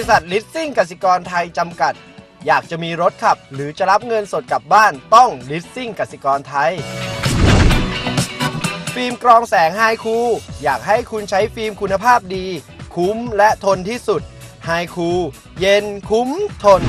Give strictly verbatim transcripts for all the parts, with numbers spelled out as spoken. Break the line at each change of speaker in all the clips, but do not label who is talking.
ษัทลิสซิ่งกสิกรไทยจำกัดอยากจะมีรถขับหรือจะรับเงินสดกลับบ้านต้องลิสซิ่งกสิกรไทยฟิล์มกรองแสงไฮคูลอยากให้คุณใช้ฟิล์มคุณภาพดีคุ้มและทนที่สุดไฮคูลเย็นคุ้มทน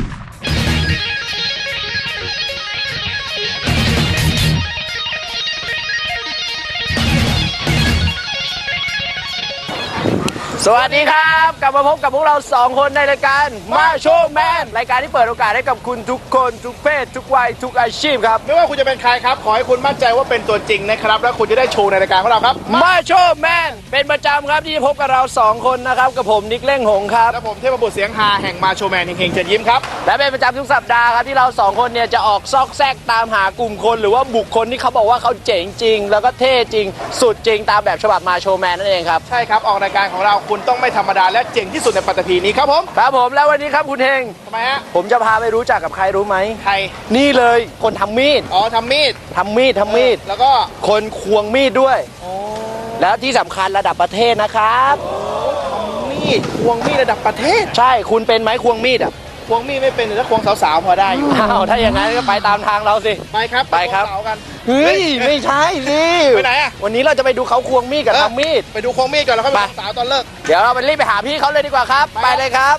สวัสดีครับกลับมาพบกับพวกเราสองคนในรายการมาโชว์แมนรายการที่เปิดโอกาสให้กับคุณทุกคนทุกเพศทุกวัยทุกอาชีพครับ
ไม่ว่าคุณจะเป็นใครครับขอให้คุณมั่นใจว่าเป็นตัวจริงนะครับแล้วคุณจะได้โชว์ในรายการของเราครับ
มาโชว์แมนเป็นประจำครับที่จะพบกับเราสองคนนะครับกับผมนิกเล่งหงครับ
และผมเทพบุตรเสียงฮาแห่งมาโชว์แมนเฮงๆเชิญยิ้มครับ
และเป็นประจำทุกสัปดาห์ครับที่เราสองคนเนี่ยจะออกซอกแซกตามหากลุ่มคนหรือว่าบุคคลที่เขาบอกว่าเขาเจ๋งจริงแล้วก็เท่จริงสุดจริงตามแบบฉบับมาโชว์แมนนั่นเองครับ
ใช่ครับออกรายการของเราคุณต้องไม่ธรรมดาและเจ๋งที่สุดในปัตตภีนี้ครับผม
ครับผมแล้ววันนี้ครับคุณเฮง
ทำไมฮะ
ผมจะพาไปรู้จักกับใครรู้ไหม
ใคร
นี่เลยคนทำมีด
อ๋อทำมีด
ทำมีดทำมีด
แล้วก็
คนควงมีดด้วยแล้วที่สำคัญระดับประเทศนะครับ
มีดควงมีดระดับประเทศ
ใช่คุณเป็นไหมควงมีดอ่ะ
ควงมีดไม่เป็นแต่ถ้าควงสาวๆพอได้อยู่
อ้าวถ้าอย่างนั้นก็ไปตามทางเราสิ
ไปครับ
ไปครับ
สาวกัน
เฮ้ยไม่ใช่สิ
ไปไหนอ่ะ
วันนี้เราจะไปดูเขาควงมีดกับทำมีด
ไปดูควงมีดก่อนแล้วค่อยไปสาวตอนเลิก
เดี๋ยวเราไปรีบไปหาพี่เขาเลยดีกว่าครับไปเลยครับ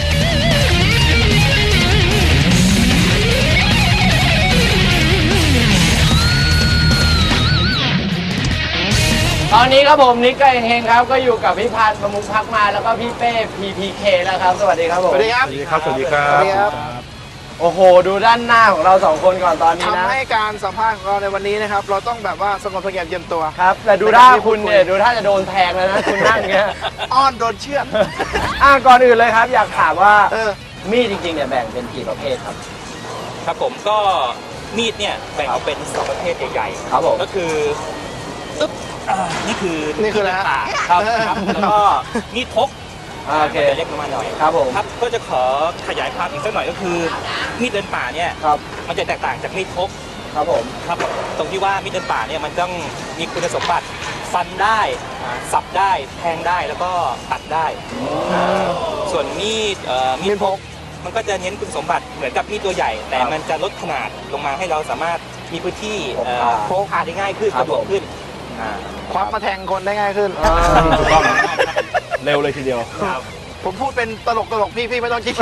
ตอนนี้ครับผมนิกกับเฮงครับก็อยู่กับพี่พันธ์ประมุขพักมาแล้วก็พี่เป้ พี พี เค แล้วครับสวัสดีครับผม
สวัสดีครับ
สวัสดีครับสวัสดีครับ
สวัสดีครับ
โอ้โหดูด้านหน้าของเราสองคนก่อนตอนนี้นะ
ทำให้การสัมภาษณ์ของเราในวันนี้นะครับเราต้องแบบว่าสงบเสงี่ยมเยียมตัว
ครับแต่ดูท่าคุณเนี่ยดูท่าจะโดนแทงแล้วนะคุณนั่งเงี้ย
อ้อนโดนเชือด
อ่ะก่อนอื่นเลยครับอยากถามว่ามีดจริงๆเนี่ยแบ่งเป็นกี่ประเภทครับ
ครับผมก็มีดเนี่ยแบ่งออกเป็นสองประเภทใหญ่ๆ
ครับผม
ก็คืออึ๊บนี่คือ
นี่คืออะไรฮะ
ครับแล้วก็มีดพก
โอเค
เล็กลงมาหน่อย
ครับผม
ครับก็จะขอขยายความอีกสักหน่อยก็คือมีดเดินป่าเนี่ยมันจะแตกต่างจากมีดพก
ครับผม
ครับตรงที่ว่ามีดเดินป่าเนี่ยมันต้องมีคุณสมบัติฟันได้สับได้แทงได้แล้วก็ตัดได้ส่วนมีดมีดพกมันก็จะเน้นคุณสมบัติเหมือนกับมีดตัวใหญ่แต่มันจะลดขนาดลงมาให้เราสามารถมีพื้นที่พกพาได้ง่ายขึ้นสะดวกขึ้น
ควักมาแทงคนได้ง่ายขึ้น
ถูกต้องเร็วเลยทีเดียว
ผมพูดเป็นตลกตลกพี่พี่ไม่ต้องคิด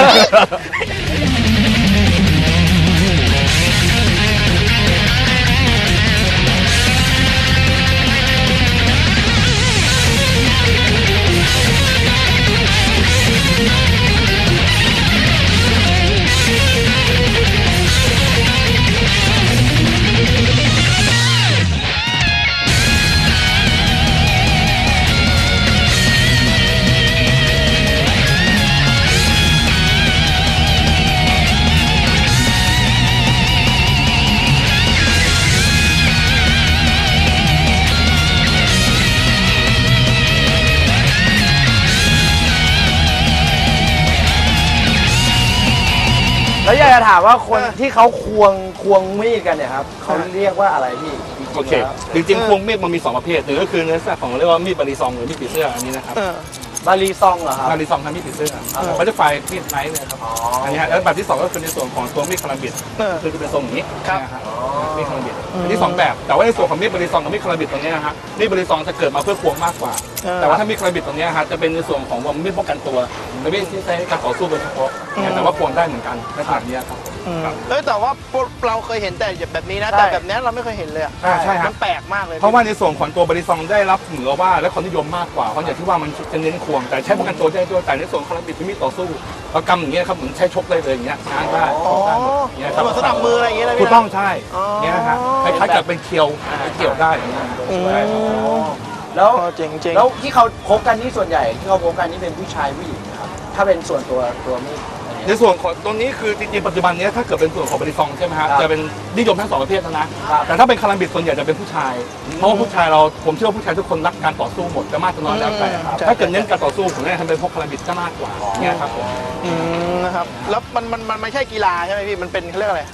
แล้วอยากจะถามว่าคนที่เขาควงควงมีดกันเนี่ยครับเขาเรียกว่าอะไรพี่
โอเคจริงๆควงมีดมันมีสองประเภทหนึ่งก็คือเนื้อสัตว์ของเรียกว่ามีดบารีซองหรือมีดปีเสื้ออันนี้นะครับ
บารีซองเหรอครับ
บารีซองทำมีดปีเสื้อมันจะไฟมีดไนท์เนี่ยครับอันนี้ฮะแล้วแบบที่สองก็คือในส่วนของตัวมีดคาราบิดคือจะเป็นทรงอย่างนี้นะครับมีดคาราบิดอันนี้สองแบบแต่ว่าในส่วนของมีดบารีซองกับมีดคาราบิดตรงนี้นะฮะมีดบารีซองจะเกิดมาเพื่อควงมากกว่าแต่ว่าถ้ามีดคาราบิดตรงนี้ฮะจะเป็นในส่วนของมีดป้องกันตัวและมีดที่ใช้การต่อสู้โดยเฉพาะแต่ว่าควงได้เหมือนกันในขนาดนี้ครับ
เอ้แต่ว่าเราเคยเห็นแต่แบบนี้นะแต่แบบนี้เราไม่เคยเห็นเลยอ่ะ
ใช่ครับ
มันแปลกมากเลย
เพราะว่าในส่วนของตัวบริซองได้รับเหนือว่าและความนิยมมากกว่าเพราะอย่างที่ว่ามันจะเน้นควงแต่ใช้ป้องกันตัวได้ด้วยแต่ในส่วนคาราบิดที่มีต่อสู้เรากำอย่างเงี้ยครับเหมือนใช้ชกได้เลยอย่างเงี้ยง้างได้ได้หมด
อย่างเงี้ยครับสนับมืออะไรอย่างเงี้ยนะ
ถูกต้องใช่เงี้ยฮะคล้ายๆกับเป็นเคียวเกี่ยวได้อย่างเงี้ย
แล้วจริงๆแล้วที่เขาพบกันที่ส่วนใหญ่ที่เขาพบกันนี่เป็นผู้ชายผู้หญิงนะครับถ้าเป็นส่วนตัวตัวมีด
ในส่วนของตรงนี้คือจริงๆปัจจุบันนี้ถ้าเกิดเป็นส่วนของบริซองใช่ไหมฮะจะเป็นนิยมทั้งสองประเภทนะแต่ถ้าเป็นคาราบิดส่วนใหญ่จะเป็นผู้ชายเพราะว่าผู้ชายเราผมเชื่อว่าผู้ชายทุกคนรักการต่อสู้หมดจะมากจะน้อยแล้วแต่ถ้าเกิดเน้นการต่อสู้ผมแนะนำเป็นพวกคาราบิดจะมากกว่าเนี่ยครับผม
นะครับแล้วมันมันมันไม่ใช่กีฬาใช่ไหมพี่มันเป็นเขาเรียกอะไร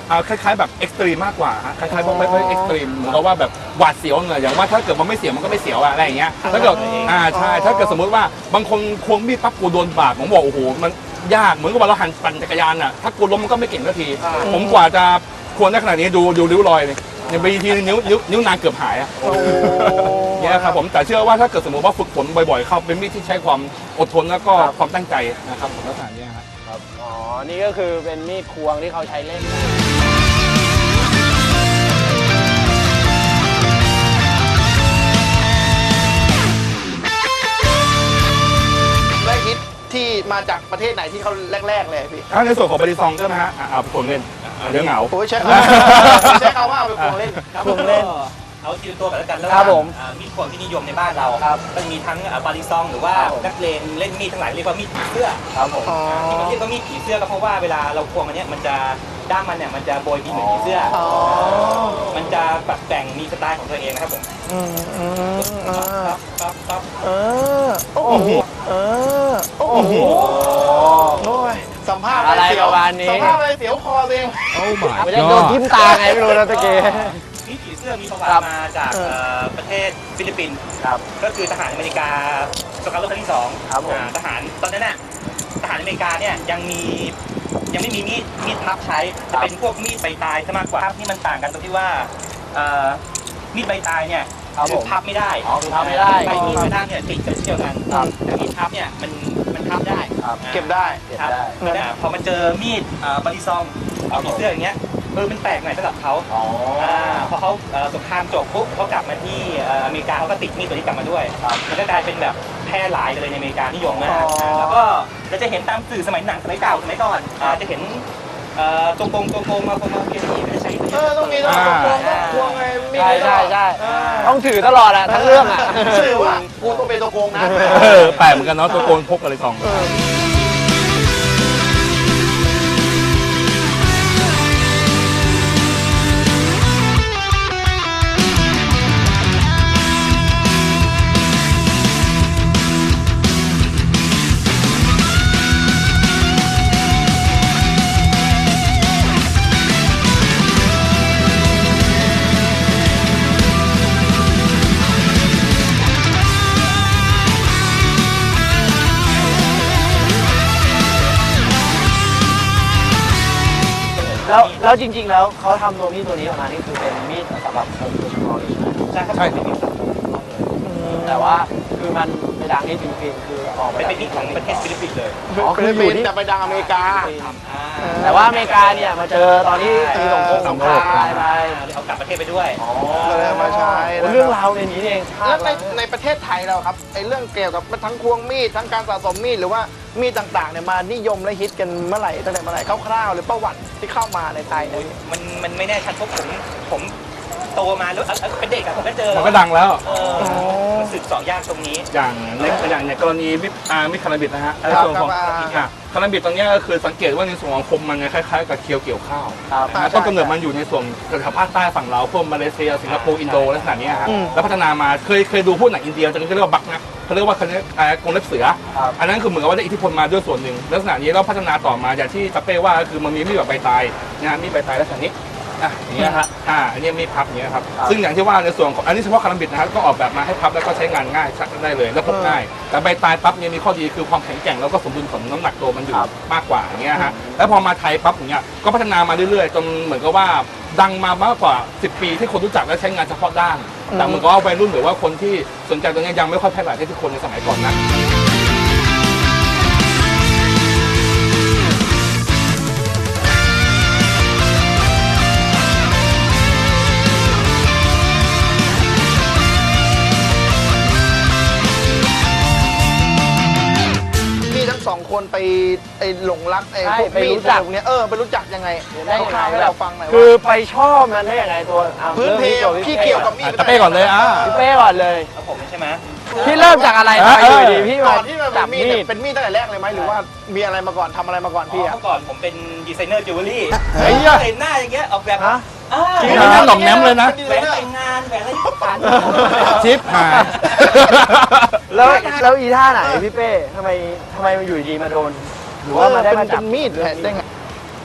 อ่าคล้ายๆแบบเอ็กซ์ตรีมมากกว่าฮะคล้ายๆพวกไม่ค่อยเอ็กซ์ตรีมเหมือนกับว่าแบบหวาดเสียวเนอะอย่างว่าถ้าเกิดมันไม่เสียวมันก็ไม่เสียวอะอะไรอย่างเงี้ยถ้าเกิดอ่าใช่ถ้าเกิดสมมติว่าบางคนควงมีดปั๊บกูโดนบาดผมบอกโอ้โหมันยากเหมือนกับว่าเราหันปั่นจักรยานอะถ้ากูล้มมันก็ไม่เก่งสักทีผมกว่าจะควงได้ขนาดนี้ดูดูริ้วรอยเลยอย่างไปทีนิ้วนิ้วนิ้วนางเกือบหายอะเนี่ยครับผมแต่เชื่อว่าถ้าเกิดสมมติว่าฝึกฝนบ่อยๆเข้าเป็นมีดที่ใช้ความอดทนแล้วก็ความตั้งใจนะครับผมลักษณะนี้ครับ
อ๋อ นี่ก็คือเป็นมีดควงที่เขาใช้เล่นกัน
และฮิตที่มาจากประเทศไหนที่เขาแรกๆเลยพี่
ถ้าในส่วนของบริซองใช่ไหมฮะอ่าเอาไปควงเล่นอ่าเดี๋ยวเหงา
โอ้ยใช่ใช้คำว่าเอาไปควงเล่น
ควงเล่น
เอาทีละตัวกันแล้วกันแล้ว
ครับผม
มีดควงที่นิยมในบ้านเรา
ครับ
มันมีทั้งบาริซองหรือว่า
ครับผม
นักเลงเล่นมีดทั้งหลายเรียกว่ามีดผีเสื้อ
ครับผม
อ๋อ
ที่มันเรียกว่ามีดผีเสื้อก็เพราะว่าเวลาเราควงมันเนี้ยมันจะด้ามมันเนี่ยมันจะโบยบินเหมือนผีเสื้ออ
อ๋อ
มันจะปรับแต่งมีสไตล์ของตัวเองนะครับผม
อืมอืมอ่า
ปั๊บปั๊บปั๊บ
เออโอ้โหเออโอ้โหโอ้ยสัมภาษณ์
อะไร
เสีย
ป
ว
ระมาณนี้
สัมภาษณ์อะไรเสียวคอตัวเอง
ไม่ได้โดนทิ่มตาไงไม่รู้นะตะเกีย
มีดผีเสื้อมีประวั
ครั
ติ
บ
มาจาก
เออ
เอ่อประเทศฟิลิปปินส์
ครับ
ก็คือทหารอเมริกาสงครามโลกครั้งที่สอง
ครับผม
อ่าทหารตอนนั้นน่ะทหารอเมริกาเนี่ยยังมียังไม่มีมีดมีดพับใช้จะเป็นพวกมีดใบตายซะมากกว่าที่มันต่างกันตรงที่ว่าเอ่อมีดใบตายเนี่ย
ครับผม
อพับไม่ได้
อ๋อคือพับไม่ได้
ใบมีดกระด้างเนี่ยติดกันเช่นเดียวกัน
ครับ
แต่มีดพับเนี่ยมันมันพับได้
ครับ
อ่า
เก็บได้
เก็บ
ครับ
ได้
เพราะฉะนั้นพอมาเจอมีดเอ่อบาริซอง
ครับ
มีเสื้ออย่างเงี้ยเออมันแปลกหน่อยสำหรับเขา
อ๋อ
อ่าพอเขาเอ่อสงครามจบปุ๊บเขากลับมาที่เอ่ออเมริกาเขาก็ติดมีดตัวนี้กลับมาด้วย
ครับ
มันก็กลายเป็นแบบแพร่หลายเลยในอเมริกานิยมมาก
อ๋ออ่
าแล้วก็เราจะเห็นตามสื่อสมัยหนังสมัยเก่าสมัยก่อนอ่าจะเห็นเอ่อตรงกงตรงกงมาคงมาเกียร์ไม่ได้ใช้
เออต้องมีต้องควงต้องควงไงมี
ใช่ใช่ใช่
เออ
ต้องถือตลอดอะทั้งเรื่องอะ
สื่อว่ากูต้องเป็นตัวโกงนะ
เออแปลกเหมือนกันเนาะตัวโกนพกอะไรสอง
แล้วแล้วจริง ๆ แล้วเขาทำตัวมีดตัวนี้ออกมานี่คือเป็นมีดสำหรับคนโดยเฉพาะเลยใช่ไหม
ใช่ครับ
ใช่
เป็นมีด
แต่ว่าคือมันไปดังที่ฟิลิปปินส์คือออกมา
เป็น
จาก
มีดของประเทศฟิลิปปินส์เลย
อ๋อคืออยู่ที่
แต่ไปดังอเมริกา
อ่า
แต่ว่าอเมริกาเนี่ยมาเจอตอนที่มีสงครามสงครามไปไป
เลยเอากลับประเทศไปด้วย
อ๋อ
เลยเอามาใช้
โอ้เรื่องราวในนี้เองชา
แล้ว
ติ
ในในประเทศไทยเราครับไอ้เรื่องเกี่ยวกับทั้งควงมีดทั้งการสะสมมีดหรือว่ามีดต่างๆเนี่ยมานิยมและฮิตกันเมื่อไหร่ตั้งแต่เมื่อไหร่คร่าวๆหรือประวัติที่เข้ามาในไทยเนี่ย
มันมันไม่แน่ชัดเพราะผมผมโตมาแล้วเอ่อเป็นเด็กอะผมก็เจอ
มันก็ดังแล้ว
เออมันสืบเสาะยากตรงนี้
อย่างในอย่างในกรณีมิดอ่ามิดคาราบิดนะฮะใน
ครับ
ส่วนของ
ครับ
อ่ะคาราบิดตรงเนี้ยก็คือสังเกตว่าในส่วนของคมมันเนี่ยคล้ายๆกับเคียวเกี่ยวข้าว
ครับ
นะฮะต้นกำเนิดมันอยู่ในส่วนแถวภาคใต้ฝั่งเราพวกมาเลเซียสิงคโปร์อินโดลักษณะเนี้ยฮะแล้วพัฒนามาเคยเคยดูพวกหนังอินเดียจะเรียกว่าบักนะเขาเรียกว่าเขาเรียกอ่ากรงเล็บเสือ
ครับ
อันนั้นคือเหมือนกับว่าได้อิทธิพลมาด้วยส่วนหนึ่งลักษณะนี้แล้วพัฒนาต่อมาอย่างที่ตะเป้ว่าก็คือมันมีมีดแบบใบตายนะฮะมีดใบตายลักษณะนี้อ่ะอย่างเงี้ยฮะอ่าอันนี้มีดพับอย่างเงี้ยครับ
ครับ
ซึ่งอย่างที่ว่าในส่วนของอันนี้เฉพาะคาราบิดนะฮะก็ออกแบบมาให้พับแล้วก็ใช้งานง่ายชักได้เลยแล้วพกง่าย แต่ใบตายปั๊บเนี่ยมีข้อดีคือความแข็งแกร่งแล้วก็สมดุลของน้ำหนักตัวมันอยู่
ครับ
มากกว่าอย่างเงี้ยฮะแล้วพอมาไทยปั๊บอย่างเงี้ยก็พัฒนามาเรื่อยๆจนเหมือนกับว่าดังมามากกว่าสิบปีที่คนรู้จักและใช้งานเฉพาะด้านแต่เหมือนกับว่าวัยรุ่นหรือว่าคนที่สนใจตรงเนี้ยยังไม่ค่อยแพร่หลายเท่าที่คนในสมัยก่อนนะ
พี่ทั้งสองคนไปไอ้หลงรักไอ้
ใช่
พวก
ไป
มี
รู้
ด
จัก
พวกเนี้ยเออไปรู้จักยังไง
ได้ยังไง
คร่าวๆให้เราฟังหน่อย
คือ
ว่า
ไปชอบมันได้ยังไงตัวอ่ะ
พื้นเพ
ริ่มที่
พี่
ตัว
เกี่ยวกับมีด
ตะเป้ก่อนเลยอ่ะ
พี่เป้ก่อนเลย
แล้วผมใช่ไหม
พี่เริ่มจากอะไรทำไมอยู่ดีพี่
ก่
มา
อนที่มัน
จับ
เป็นมี
มี
ด
ด
เป็นมีดตั้งแต่แรกเลยไหมหรือว่ามีอะไรมาก่อนทำอะไรมาก่อนพี่อะ
เมื่อก่อนผมเป็นดีไซเนอร์จิวเวลรี่
เฮ้ย
เห็นหน้าอย่างเงี้ยออกแบบ
ฮะ
อ่า
จริงเหรอหน่อมแนมเลยนะ
แหวนแต่งงานแหวนอะไรต่าง
ชิปหาย
แล้วแล้วอีท่าไหนพี่เป้ทำไมทำไมมันอยู่ดีมาโดน หรือว่ามาได้มา
เป็น
จับ
เป็นมีดเลยได้ไง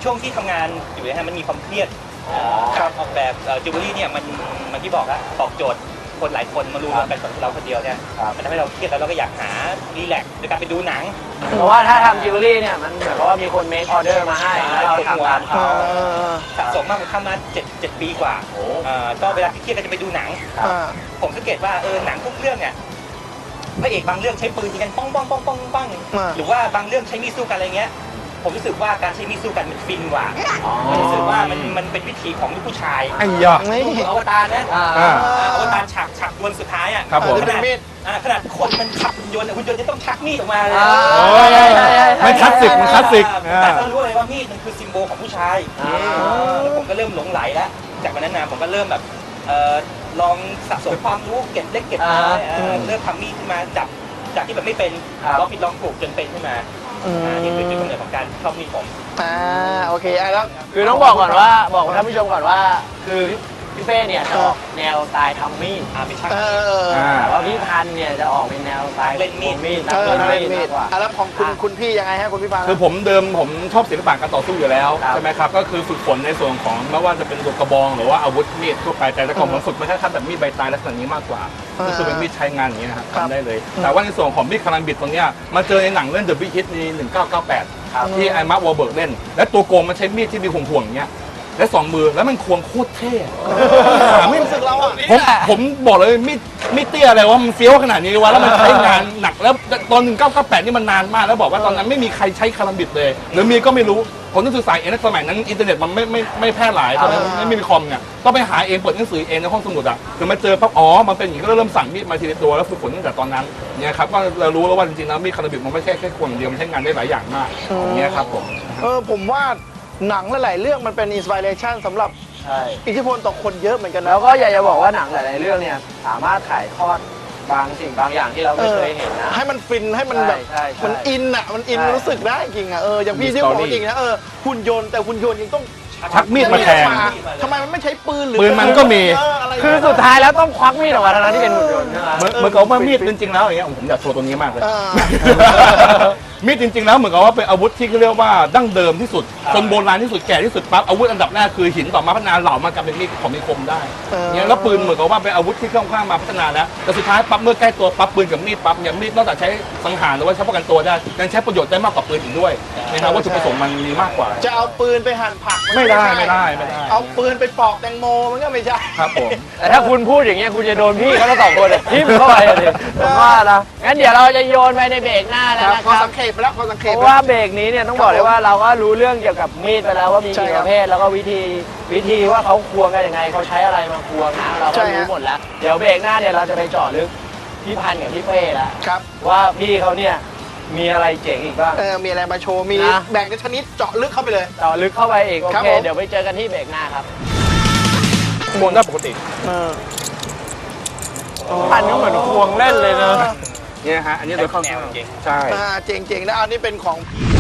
ช่วงที่ทำงานอยู่เนี่ยฮะมันมีความเครียดการออกแบบจิวเวลรี่เนี่ยมันมันที่บอกอะตอบโจทย์คนหลายคนมารู้กันกับเราคนเดียวเนี่ยมันทำให้เราเครียดแล้วเราก็อยากหารีแลกซ์โดยการไปดูหนัง
เพราะว่าถ้าทำจิวเวลรี่เนี่ยมันเหมือนกับว่ามีคนเมคออเดอร์มาให้แล้วเราทำงานเขา
สะสมมากผมทำมาเจ็ดเจ็ดปีกว่าก็เวลาเครียดก็จะไปดูหนังผมสังเกตว่าเออหนังทุกเรื่องเนี่ยพระเอกบางเรื่องใช้ปืนยิงกันป้องป้องป้องป้องป้องหรือว่าบางเรื่องใช้มีดสู้กันอะไรเงี้ยผมรู้สึกว่าการใช้มีดสู้กันมันฟินกว่าผมรู้สึกว่ามันมันเป็นวิธีของลูกผู้ชาย
ไอ้ยา
ดูอวตารนะอวตารฉากฉากดวลสุดท้ายอ่ะ
ครับผม
ขนาดขนาดคนมันชักหุ่นยนต์หุ่นยนต์จะต้องชักมีดออกมาเลย
มันคลาสสิกมันคลาสสิก
แต่ก็รู้เลยว่ามีดมันคือซิมโบลของผู้ชายผมก็เริ่มหลงไหลแล้วจากวันนั้นนะผมก็เริ่มแบบลองสะสมความรู้เก็บเล็กเก็บน้อยเริ่มทำมีดขึ้นมาจับจากที่แบบไม่เป็นลองผิดลองถูกจนเป็นขึ้นมานี่คือจุดกำเนิดของการชอบมีดผม
อ่าโอเคอ่ะแล้ว
คือต้องบอกก่อนว่าบอกท่านผู้ชมก่อนว่าคือพี่เป้เนี่ยจะออกแนวสไตล์ทำมีด
อ่าเป็นช่าง
เออ
แต่ว่าพี่พันธุ์เนี่ยจะออกเป็นแนวสไตล์
เล่นมีด
มีด
เออ
นัก
เล่
เล่
น
น
มี
มี
ด
ดมากกว่า
อ่ะแล้วของคุณคุณพี่ยังไงฮะคุณพี่พันธ์
คือผมเดิมผมชอบศิลปะการต่อสู้อยู่แล้ว
ครับ
ใช่ไหมครับก็คือฝึกฝนในส่วนของไม่ว่าจะเป็นลูกกระบองหรือว่าอาวุธมีดทั่วไปแต่แต่ก่อนผมฝึกมาแค่ขั้นแบบมีดใบตายลักษณะนี้มากกว่าก็คือเป็นมีดใช้งานอย่างเงี้ยครับทำได้เลย แต่ว่าในส่วนของมีดคารัมบิดตรงเนี้ยมาเจอในหนังเรื่อง The Big Hit ในหนึ่งเก้าเก้าแปดที่ไอ้มาร์ควอลเบิร์กเล่นและตัวโกงมันใช้มีดที่มีห่วงๆอย่างเงี้ยและสองมือแล้วมันควงโคตรเท่ไม่
รู้สึกเราอ่ะ
ผมผมบอกเลยมีดมีดเตี้ยอะไรว่ามันเฟี้ยวขนาดนี้วะแล้วมันใช้งานหนักแล้วตอนหนึ่งเก้าเก้าแปดนี่มันนานมากแล้วบอกว่าตอนนั้นไม่มีใครใช้คารัมบิดเลยหรือมีก็ไม่รู้ผมต้องศึกษาเองในสมัยนั้นอินเทอร์เน็ตมันไม่ไม่ไม่แพร่หลายตอนนั้นไม่ไม่มีคอมเนี่ยต้องไปหาเองเปิดหนังสือเองในห้องสมุดอ่ะคือมาเจอปั๊บอ๋อมันเป็นอย่างนี้ก็เริ่มสั่งมีดมาทีละตัวแล้วฝึกฝนตั้งแต่ตอนนั้นเนี่ยครับก็เรารู้แล้วว่าจริงๆแล้วมีดคารัมบิดมันไม่ใช่แค่ควงอย่างเดียวมันใช้งานได้หลายอย่างมากอย่างเงี้ยครับผม
เออผมว่าหนังหลายๆเรื่องมันเป็นอินสปิเรชันสำหรับ
ใช่
อิทธิพลต่อคนเยอะเหมือนกันนะ
แล้วก็อยากจะบอกว่าหนังหลาย ๆ เรื่องเนี่ยสามารถถ่ายทอดบางสิ่งบางอย่างที่เราไม่เคยเห็นนะ
ให้มันฟินให้มันแบบ
ใช่ใช่
มันอินอ่ะมันอิน
ใช่
รู้สึกได้จริงอ่ะเอออย่างพี่
มี
ที่บอก
story
จริงนะเออหุ่นยนต์แต่หุ่นยนต์ยังต้อง
ชักมีดมาแทง
ทำไมมันไม่ใช้ปืนหรือ
ปืนมันก็มี
เอออะไร
คือสุดท้ายแล้วต้องควักมีดออกมาทั้งๆที่เป็นหุ่นยนต์ใช่ไหม
เหมือนเหมือนกับว่ามีดจริงๆแล้วอย่างเงี้ยผมอยากโชว์ตัวนี้มากเลย
เออ
มีดจริงๆแล้วเหมือนกับว่าเป็นอาวุธที่เขาเรียกว่าดั้งเดิมที่สุดคนโบราณที่สุดแก่ที่สุดปั๊บอาวุธอันดับแรกคือหินต่อมาพัฒนาเหล่ามากลายเป็นมีดของมีคมได้
เออ
เนี่ยแล้วปืนเหมือนกับว่าเป็นอาวุธที่ค่อนข้างมาพัฒนาแล้วแต่สุดท้ายปั๊บเมื่อใกล้ตัวปั๊บปืนกับมีดปั๊บเนี่ยมีดนอกจากใช้สังหารหรือว่าใช้ป้องกันตัวได้ยังใช้ประโยชน์ได้มากกว่าปืนอีกด้วยนะครับวัตถุประสงค์มันมีมากกว่า
จะเอาปืนไปหั่นผักน
ไม่ได้
ใช่
ไม่ได้ไม่ได้
เอาปืนไปปอกแตงโมมันก็ไม่ใช่
ครับผม
แต่ถ้าคุณพูดอย่างเงี้ยคุณจะโดนพี่เขาทั้งสองคนเลยทิ่มเข้าไปเลยผมว่านะงั้นเดี๋ยวเราจะโยนไปในเบรกหน้าแล้ว
ครับ
นะ
ข
ค
อ
รับ
สังเขปไปแล้วขอสังเข
เพ
ป
ราะว่าเบรกนี้เนี่ยต้องบอกเลยว่าเราก็รู้เรื่องเกี่ยวกับมีดไปแล้วว่ามี
ใช่
กี่
ค
ป
รับ
ระเภทแล้วก็วิธีวิธีว่าเขาควงกันยังไงเขาใช้อะไรมาควงนะเรา
ใช่
ก็
ฮะ
รู้หมดแล้วเดี๋ยวเบรกหน้าเนี่ยเราจะไปเจาะลึกพี่พันธุ์กับพี่เป้แล้ว
ครับ
ว่าพี่เขาเนี่ยมีอะไรเจ๋งอีกบ้าง
เออมีอะไรมาโชว์มี
นะ
แบ่งเป็นชนิดเจาะลึกเข้าไปเลย
เจาะลึกเข้าไปอีกโอ
ครับ
เค
ผม
เดี๋ยวไปเจอกันที่เบรกหน้าครับ
ควงได้ปกติ
เออ
พันธุ์ก็เหมือนควงเล่นเลยนะ
เนี่ยฮะอันนี้โดยเข้า
แนวจริง
ใช่
อ่าเจ๋งๆนะอันนี้เป็นของ